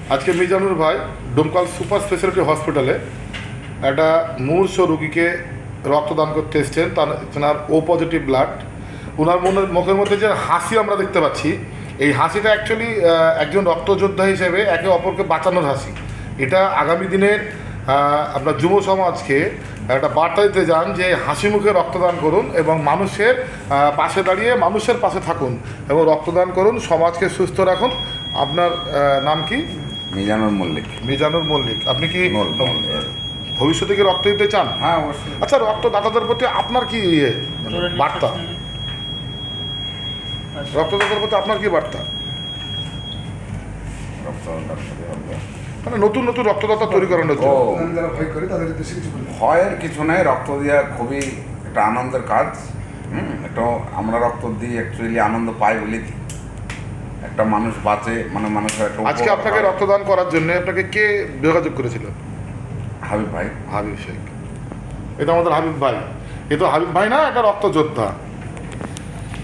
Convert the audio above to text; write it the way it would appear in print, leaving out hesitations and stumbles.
আজকে মিজানুর ভাই Domkal super speciality হসপিটালে একটা মুমূর্ষ রুগীকে রক্তদান করতে এসছেন। তার ও পজিটিভ ব্লাড। ওনার মুখের মধ্যে যে হাসি আমরা দেখতে পাচ্ছি, এই হাসিটা অ্যাকচুয়ালি একজন রক্তযোদ্ধা হিসেবে একে অপরকে বাঁচানোর হাসি। এটা আগামী দিনের আপনার যুব সমাজকে একটা বার্তা দিতে যান যে হাসি মুখে রক্তদান করুন এবং মানুষের পাশে দাঁড়িয়ে মানুষের পাশে থাকুন এবং রক্তদান করুন, সমাজকে সুস্থ রাখুন। আপনার নাম কি? মিজানুর মল্লিক। মিজানুর মল্লিক। আপনি কি ভবিষ্যতে কি রক্ত দিতে চান? হ্যাঁ, অবশ্যই। আচ্ছা, রক্তদাতাদের প্রতি আপনার কি বার্তা? রক্তদাতাদের প্রতি আপনার কি বার্তা? মানে নতুন নতুন রক্তদাতা তৈরি করানোর জন্য। ভয়ের কিছু নেই, রক্ত দেওয়া খুবই একটা আনন্দের কাজ। একটা আমরা রক্ত দিই অ্যাকচুয়ালি আনন্দ পাই বলি একটা মানুষ বাঁচে, মানে মানুষের একটা। আজকে আপনাকে রক্তদান করার জন্য আপনাকে কে যোগাযোগ করেছিল? হাবিব ভাই। হাবিব শেখ। এটা আমাদের হাবিব ভাই। এ তো হাবিব ভাই না, একটা রক্তযোদ্ধা।